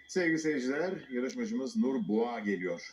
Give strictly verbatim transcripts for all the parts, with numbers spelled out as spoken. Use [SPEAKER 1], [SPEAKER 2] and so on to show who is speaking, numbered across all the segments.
[SPEAKER 1] Sevgili seyirciler, yarışmacımız Nur Boğa geliyor.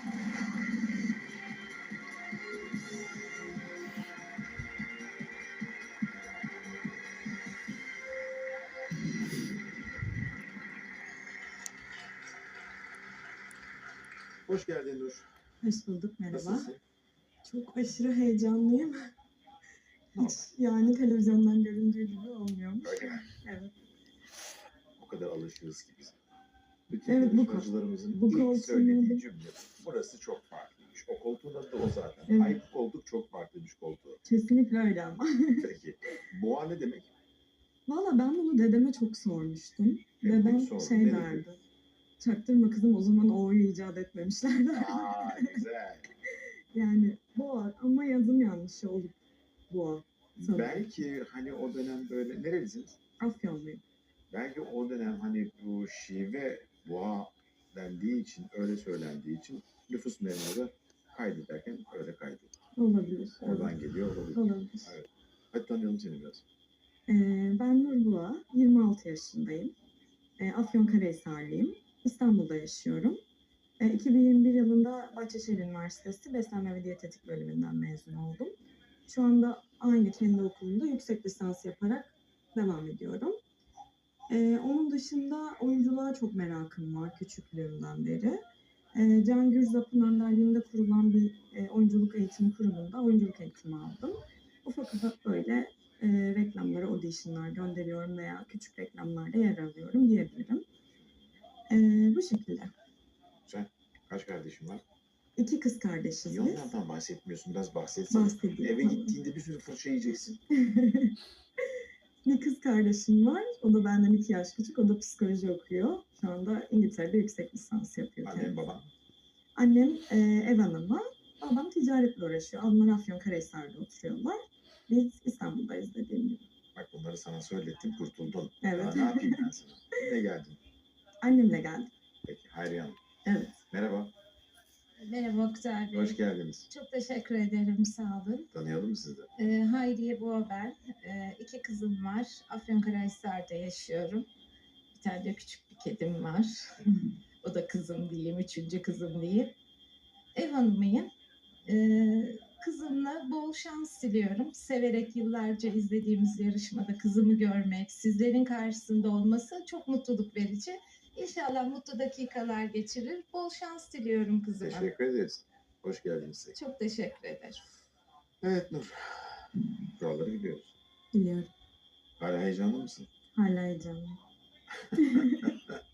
[SPEAKER 1] Hoş geldin Nur.
[SPEAKER 2] Hoş bulduk, merhaba.
[SPEAKER 1] Nasılsın?
[SPEAKER 2] Çok aşırı heyecanlıyım. Hiç yani televizyondan göründüğü gibi olmuyormuş.
[SPEAKER 1] Öyle mi?
[SPEAKER 2] Evet.
[SPEAKER 1] O kadar alışığız ki biz. Bütün
[SPEAKER 2] Evet, bu
[SPEAKER 1] yarışmacılarımızın
[SPEAKER 2] bu
[SPEAKER 1] ilk
[SPEAKER 2] koltuğun
[SPEAKER 1] söylediği
[SPEAKER 2] adı-
[SPEAKER 1] cümle. Burası çok farklıymış. O koltuğun adı da o zaten.
[SPEAKER 2] Evet.
[SPEAKER 1] Ay bu koltuk çok farklıymış koltuğu.
[SPEAKER 2] Kesinlikle öyle ama.
[SPEAKER 1] Peki. Boğa ne demek?
[SPEAKER 2] Valla ben bunu dedeme çok sormuştum.
[SPEAKER 1] Evet,
[SPEAKER 2] Dedem
[SPEAKER 1] sordum,
[SPEAKER 2] şey
[SPEAKER 1] ne dedi?
[SPEAKER 2] derdi. Çaktırma kızım, o zaman O'yu icat etmemişler derdi.
[SPEAKER 1] Aa güzel.
[SPEAKER 2] Yani boğa ama yazım yanlışı olup boğa. Sanırım.
[SPEAKER 1] Belki hani o dönem böyle nerelisiniz?
[SPEAKER 2] Afyonluyum.
[SPEAKER 1] Belki o dönem hani bu şive boğa dendiği için, öyle söylendiği için nüfus memuru kaydederken öyle kaydı.
[SPEAKER 2] Olabilir.
[SPEAKER 1] Oradan
[SPEAKER 2] Evet.
[SPEAKER 1] geliyor olabilir.
[SPEAKER 2] Olabilir.
[SPEAKER 1] Evet. Hadi tanıyalım seni biraz.
[SPEAKER 2] Ee, ben Nur Boğa, yirmi altı yaşındayım. E, Afyonkarahisarlıyım. İstanbul'da yaşıyorum. E, iki bin yirmi bir yılında Bahçeşehir Üniversitesi Beslenme ve Diyetetik bölümünden mezun oldum. Şu anda aynı kendi okulumda yüksek lisans yaparak devam ediyorum. E, onun dışında oyunculuğa çok merakım var küçüklüğümden beri. E, Can Gürzap'ın önderliğinde kurulan bir e, oyunculuk eğitimi kurumunda oyunculuk eğitimi aldım. Ufak ufak böyle e, reklamlara auditionlar gönderiyorum veya küçük reklamlarda yer alıyorum diyebilirim. E, bu şekilde.
[SPEAKER 1] Sen kaç kardeşin var?
[SPEAKER 2] İki kız kardeşiz
[SPEAKER 1] Niye
[SPEAKER 2] biz.
[SPEAKER 1] onlardan bahsetmiyorsun? Biraz bahsetsene.
[SPEAKER 2] Bahsedeyim.
[SPEAKER 1] Eve
[SPEAKER 2] tamam.
[SPEAKER 1] gittiğinde bir sürü fırça yiyeceksin.
[SPEAKER 2] Bir kız kardeşim var. O da benden iki yaş küçük. O da psikoloji okuyor. Şu anda İngiltere'de yüksek lisans yapıyor.
[SPEAKER 1] Annem
[SPEAKER 2] kendisi.
[SPEAKER 1] babam.
[SPEAKER 2] Annem e, ev hanımı. Babam ticaretle uğraşıyor. Onlar Afyonkarahisar'da oturuyorlar. Biz İstanbul'dayız dediğim gibi.
[SPEAKER 1] Bak bunları sana söylettim, kurtuldun.
[SPEAKER 2] Evet.
[SPEAKER 1] Daha ne yapayım ben sana? Ne geldin?
[SPEAKER 2] Annemle geldim.
[SPEAKER 1] Peki Hayriye Hanım.
[SPEAKER 2] Evet.
[SPEAKER 1] Merhaba.
[SPEAKER 3] Merhaba Oktay Bey.
[SPEAKER 1] Hoş geldiniz.
[SPEAKER 3] Çok teşekkür ederim, sağ olun.
[SPEAKER 1] Tanıyalım mı sizi?
[SPEAKER 3] Ee, Hayriye Boğa ben. Ee, iki kızım var. Afyonkarahisar'da yaşıyorum. Bir tane de küçük bir kedim var. O da kızım diyeyim, üçüncü kızım diyeyim. Ev hanımıyım. Ee, kızımla bol şans diliyorum. Severek yıllarca izlediğimiz yarışmada kızımı görmek, sizlerin karşısında olması çok mutluluk verici. İnşallah mutlu dakikalar geçirir. Bol şans diliyorum kızıma.
[SPEAKER 1] Teşekkür ederiz. Hoş geldiniz.
[SPEAKER 3] Çok teşekkür ederim.
[SPEAKER 1] Evet Nur. Kuralları biliyoruz.
[SPEAKER 2] Biliyorum.
[SPEAKER 1] Hala heyecanlı mısın?
[SPEAKER 2] Hala heyecanlıyım.